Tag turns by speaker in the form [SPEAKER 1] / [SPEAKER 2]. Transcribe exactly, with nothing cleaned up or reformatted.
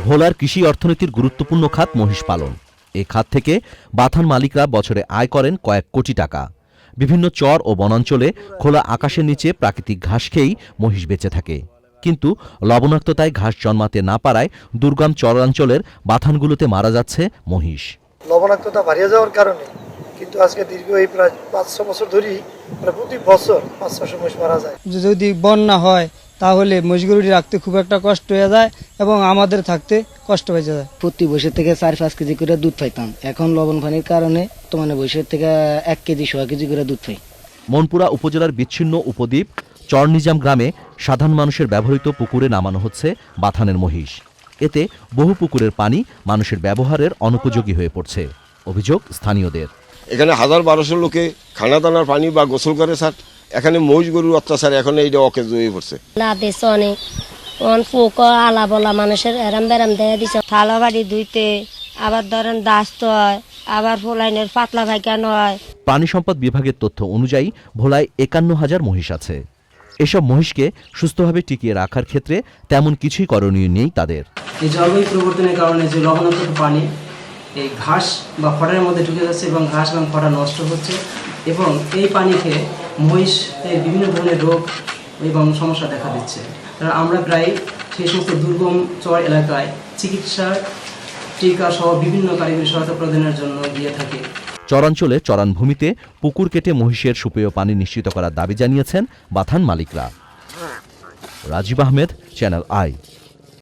[SPEAKER 1] ভোলার কৃষি অর্থনীতির গুরুত্বপূর্ণ খাত মহিষ পালন। এই খাত থেকে বাথান মালিকরা বছরে আয় করেন কয়েক কোটি টাকা। বিভিন্ন চর ও বনাঞ্চলে খোলা আকাশের নিচে প্রাকৃতিক ঘাস খেয়েই মহিষ বেঁচে থাকে। কিন্তু লবণাক্ততায় ঘাস জন্মাতে না পারায় দুর্গম চরাঞ্চলের বাথানগুলোতে মারা যাচ্ছে মহিষ।
[SPEAKER 2] লবণাক্ততা বাড়িয়ে যাওয়ার কারণে কিন্তু আজকে দীর্ঘ এই প্রায় পাঁচশো বছর ধরেই প্রতি বছর পাঁচ ছশো মহিষ মারা যায়।
[SPEAKER 3] যদি বন্যা হয় তাহলে মহিষগুলি রাখতে খুব একটা কষ্ট হয়ে যায় এবং আমাদের থাকতে কষ্ট হয়ে যায়।
[SPEAKER 4] প্রতি বছর থেকে চার পাঁচ কেজি করে দুধ পাইতাম, এখন লবণ পানির কারণে তোমার বছর থেকে এক কেজি সোয়া কেজি করে দুধ পাই।
[SPEAKER 1] মনপুরা উপজেলার বিচ্ছিন্ন উপদ্বীপ চরনিজাম গ্রামে সাধারণ মানুষের ব্যবহৃত পুকুরে নামানো হচ্ছে বাথানের মহিষ। এতে বহু পুকুরের পানি মানুষের ব্যবহারের অনুপযোগী হয়ে পড়ছে। অভিযোগ স্থানীয়দের।
[SPEAKER 5] এখানে হাজার বারোশো লোকে খানা দানার পানি বা গোসল করে স্যার, এখানে মহিষ গরুর অত্যাচার এখন এইটা অকেজ হয়ে পড়ছে।
[SPEAKER 6] আলা বলা মানুষের এরাম বেরাম দেয়া দিছে, থালা বাড়ি ধুইতে, আবার ধরেন দাস্ত হয়, আবার ফোলাইনের পাতলা পায়খানা হয়।
[SPEAKER 1] প্রাণী সম্পদ বিভাগের তথ্য অনুযায়ী ভোলায় একান্ন হাজার মহিষ আছে। এসব মহিষকে সুস্থভাবে টিকিয়ে রাখার ক্ষেত্রে তেমন কিছুই করণীয় নেই তাদের।
[SPEAKER 7] এই জলবায়ু পরিবর্তনের কারণে যে লবণাক্ত পানি এই ঘাস বা খড়ের মধ্যে ঢুকে যাচ্ছে এবং ঘাস এবং খড়া নষ্ট হচ্ছে, এবং এই পানি খেয়ে মহিষের বিভিন্ন ধরনের রোগ এবং সমস্যা দেখা দিচ্ছে। আমরা প্রায় সেই সমস্ত দুর্গম চর এলাকায় চিকিৎসা, টিকা সহ বিভিন্ন কারিগরি সহায়তা প্রদানের জন্য দিয়ে থাকি।
[SPEAKER 1] চরাঞ্চলে চরানভূমিতে পুকুর কেটে মহিষের সুপেয় পানি নিশ্চিত করার দাবি জানিয়েছেন বাথান মালিকরা। Rajiv Ahmed, Channel I.